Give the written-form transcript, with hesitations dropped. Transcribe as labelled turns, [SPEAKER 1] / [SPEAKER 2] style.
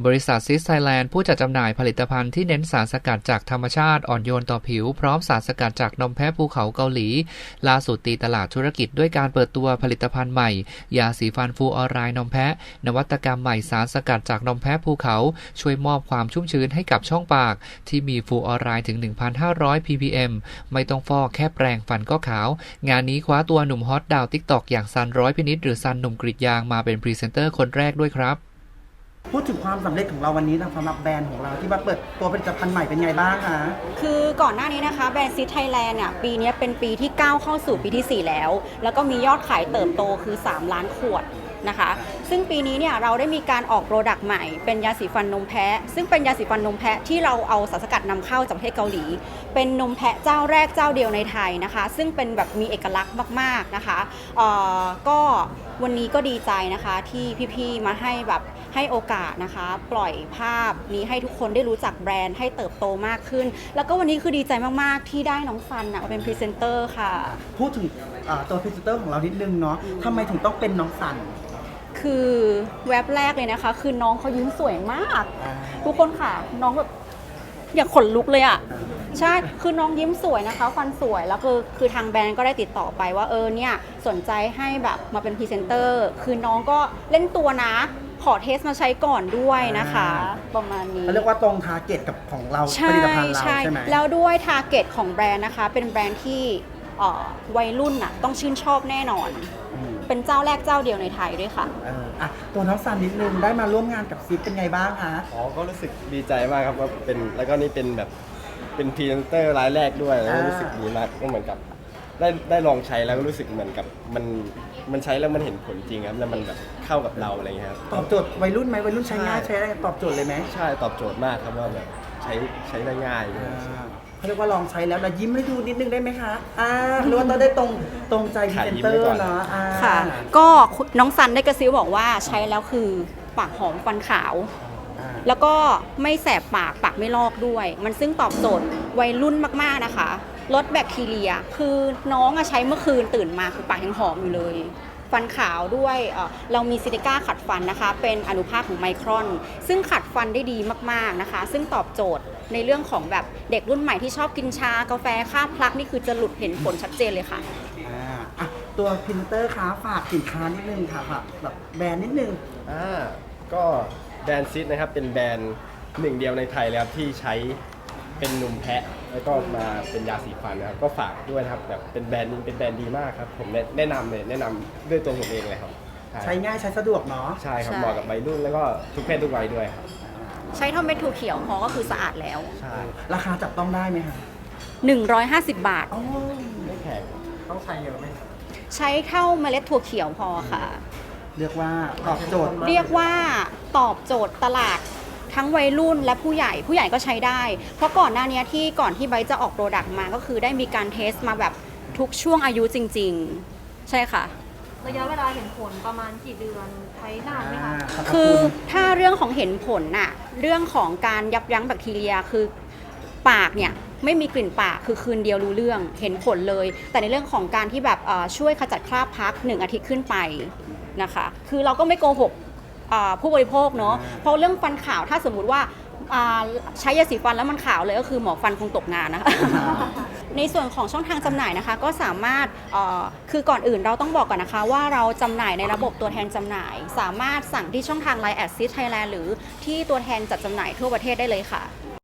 [SPEAKER 1] บริษัทซิสไทยแลนด์ผู้จัดจำหน่ายผลิตภัณฑ์ที่เน้นสารสกัดจากธรรมชาติอ่อนโยนต่อผิวพร้อมสารสกัดจากนมแพะภูเขาเกาหลีล่าสุดตีตลาดธุรกิจด้วยการเปิดตัวผลิตภัณฑ์ใหม่ยาสีฟันฟูออไรด์นมแพะนวัตกรรมใหม่สารสกัดจากนมแพะภูเขาช่วยมอบความชุ่มชื้นให้กับช่องปากที่มีฟูออไรด์ถึง 1,500 ppm ไม่ต้องฟอกแค่แปรงฟันก็ขาวงานนี้คว้าตัวหนุ่มฮอตดาวติ๊กต็อกอย่างซันร้อยพินิจหรือซันหนุ่มกรีดยางมาเป็นพรีเซนเตอร์คนแรกด้วยครับ
[SPEAKER 2] พูดถึงความสำเร็จของเราวันนี้นะสำหรับแบรนด์ของเราที่มาเปิดตัวผลิตภัณฑ์ใหม่เป็นไงบ้างคะ
[SPEAKER 3] คือก่อนหน้านี้นะคะแบรนด์ซิสไทยแลนด์เนี่ยปีนี้เป็นปีที่9เข้าสู่ปีที่4แล้วก็มียอดขายเติบโตคือ3ล้านขวดนะคะซึ่งปีนี้เนี่ยเราได้มีการออกโปรดักต์ใหม่เป็นยาสีฟันนมแพะซึ่งเป็นยาสีฟันนมแพะที่เราเอาสารสกัดนำเข้าจากประเทศเกาหลีเป็นนมแพะเจ้าแรกเจ้าเดียวในไทยนะคะซึ่งเป็นแบบมีเอกลักษณ์มากๆนะคะก็วันนี้ก็ดีใจนะคะที่พี่ๆมาให้โอกาสนะคะปล่อยภาพนี้ให้ทุกคนได้รู้จักแบรนด์ให้เติบโตมากขึ้นแล้วก็วันนี้คือดีใจมากๆที่ได้น้องซันมาเป็นพรีเซนเตอร์ค่ะ
[SPEAKER 2] พูดถึงตัวพรีเซนเตอร์ของเรานิดนึงเนาะทำไมถึงต้องเป็นน้องซัน
[SPEAKER 3] คือแว็บแรกเลยนะคะคือน้องเขายิ้มสวยมากทุกคนค่ะน้องแบบอยากขนลุกเลยอ่ะใช่คือน้องยิ้มสวยนะคะฟันสวยแล้วคือทางแบรนด์ก็ได้ติดต่อไปว่าเนี่ยสนใจให้แบบมาเป็นพรีเซนเตอร์คือน้องก็เล่นตัวนะขอเทสมาใช้ก่อนด้วยนะคะประมาณนี้
[SPEAKER 2] เขาเรียกว่าตรงทาร์เก็ตกับของเราผลิตภัณฑ์เราใช่ไหม
[SPEAKER 3] แล้วด้วยทาร์เก็ตของแบรนด์นะคะเป็นแบรนด์ที่วัยรุ่นน่ะต้องชื่นชอบแน่นอนเป็นเจ้าแรกเจ้าเดียวในไทยด้วยค่ะ
[SPEAKER 2] ตัวน้องซันนิดนึงได้มาร่วมงานกับซิสเป็นไงบ้างคะ
[SPEAKER 4] ก็รู้สึกดีใจมากครับว่าเป็นแล้วก็นี่เป็นแบบเป็นพรีเซนเตอร์รายแรกด้วยแล้วรู้สึกดีมากก็เหมือนกับได้ลองใช้แล้วก็รู้สึกเหมือนกับมันใช้แล้วมันเห็นผลจริงครับแล้วมันแบบเข้ากับเราอะไรเงี้ยครับ
[SPEAKER 2] ตอบโจทย์วัยรุ่นไหมวัยรุ่นใช้ง่ายใช้ได้ตอบโจทย์เลยไหม
[SPEAKER 4] ใช่ตอบโจทย์มากครับว่าแบบใช้ได้ง่าย
[SPEAKER 2] เขาเรียกว่าลองใช้แล้วนะยิ้มให้ดูนิดนึงได้ไหมคะหรือว่าต้องได้ตรงใจพรีเซนเตอร์เนาะ
[SPEAKER 3] ค่ะก็น้องซันได้กระซิบบอกว่าใช้แล้วคือปากหอมฟันขาวแล้วก็ไม่แสบปากไม่ลอกด้วยมันซึ่งตอบโจทย์วัยรุ่นมากๆนะคะลดแบคทีเรียคือน้องใช้เมื่อคืนตื่นมาคือปากยังหอมอยู่เลยฟันขาวด้วยเรามีซิลิก้าขัดฟันนะคะเป็นอนุภาคของไมครอนซึ่งขัดฟันได้ดีมากๆนะคะซึ่งตอบโจทย์ในเรื่องของแบบเด็กรุ่นใหม่ที่ชอบกินชากาแฟข้าวพลักนี่คือจะหลุดเห็นผลชัดเจนเลยค่ะ
[SPEAKER 2] ตัวพรีเซนเตอร์คะฝากสินค้านิดนึงค่ะแบบแบรนด์นิดนึง
[SPEAKER 4] ก็แบรนด์ซิสนะครับเป็นแบรนด์หนึ่งเดียวในไทยเลยครับที่ใช้เป็นนมแพะแล้วก็มาเป็นยาสีฟันนะครับก็ฝากด้วยนะครับแบบเป็นแบรนด์ดีมากครับผมแนะนำด้วยตัวผมเองเลยครับ
[SPEAKER 2] ใช้ง่ายใช้สะดวกเนาะ
[SPEAKER 4] ใช่ครับเหมาะกับวัยรุ่นแล้วก็ทุกเพศทุกวัยด้วยครับ
[SPEAKER 3] ใช้เท่าเม็ดถั่วเขียวพอก็คือสะอาดแล้ว
[SPEAKER 4] ใช่
[SPEAKER 2] ราคาจับต้องได้ไหมคะ
[SPEAKER 3] 150 บาท
[SPEAKER 4] ไม่แพง
[SPEAKER 2] ต้องใช้เยอะไหม
[SPEAKER 3] ใช้เท่าเมล็ดถั่วเขียวพอค่ะ
[SPEAKER 2] เรียกว่าตอบโจท
[SPEAKER 3] ย์ตลาดทั้งวัยรุ่นและผู้ใหญ่ก็ใช้ได้เพราะก่อนหน้านี้ก่อนที่ไบร์ทจะออกโปรดักต์มาก็คือได้มีการเทสมาแบบทุกช่วงอายุจริงๆใช่ค่ะ
[SPEAKER 5] ระยะเวลาเห็นผลประมาณกี่เดือนใช้นานไหมคะ
[SPEAKER 3] คือถ้าเรื่องของเห็นผลน่ะเรื่องของการยับยั้งแบคทีเรียคือปากเนี่ยไม่มีกลิ่นปากคือคืนเดียวรู้เรื่องเห็นผลเลยแต่ในเรื่องของการที่แบบช่วยขจัดคราบพลัก1 อาทิตย์ขึ้นไปนะคะคือเราก็ไม่โกหกผู้บริโภคเนาะเพราะเรื่องฟันขาวถ้าสมมุติว่าใช้ยาสีฟันแล้วมันขาวเลยก็คือหมอฟันคงตกงานนะคะในส่วนของช่องทางจำหน่ายนะคะก็สามารถคือก่อนอื่นเราต้องบอกก่อนนะคะว่าเราจำหน่ายในระบบตัวแทนจำหน่ายสามารถสั่งที่ช่องทาง LINE@ ซิสไทยแลนด์หรือที่ตัวแทนจัดจำหน่ายทั่วประเทศได้เลยค่ะ